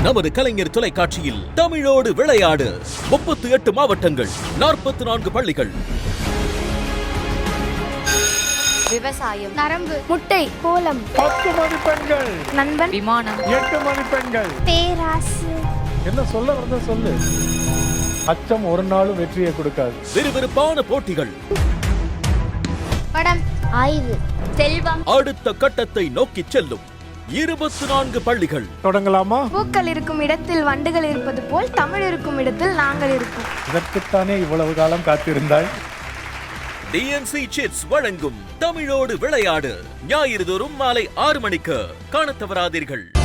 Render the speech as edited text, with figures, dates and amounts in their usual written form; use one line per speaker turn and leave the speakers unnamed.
நமது கலைஞர் தொலைக்காட்சியில் தமிழோடு விளையாடு 38 மாவட்டங்கள் 44 பள்ளிகள்.
விவசாயம், நரம்பு, முட்டை, கோலம்,
10 மதிப்பெண்கள்,
நண்பன், விமானம்,
8 மதிப்பெண்கள்,
பேராசு.
என்ன சொல்ல வந்த சொல்லு. அச்சம் ஒரு நாளும் வெற்றியை கொடுக்காது.
விறுவிறுப்பான போட்டிகள்,
படம், ஆய்வு, செல்வம்.
அடுத்த கட்டத்தை நோக்கி செல்லும் 24 பள்ளிகள்.
தொடங்கலாமா?
பூக்கள் இருக்கும் இடத்தில் வண்டுகள் இருப்பது போல் தமிழ் இருக்கும் இடத்தில் நாங்கள் இருப்போம்.
இதற்குத்தானே இவ்வளவு காலம் காத்திருந்தாய்?
டிஎன்சி சிட்ஸ் வழங்கும் தமிழோடு விளையாடு ஞாயிறு தோறும் மாலை 6 மணிக்கு காணத் தவறாதீர்கள்.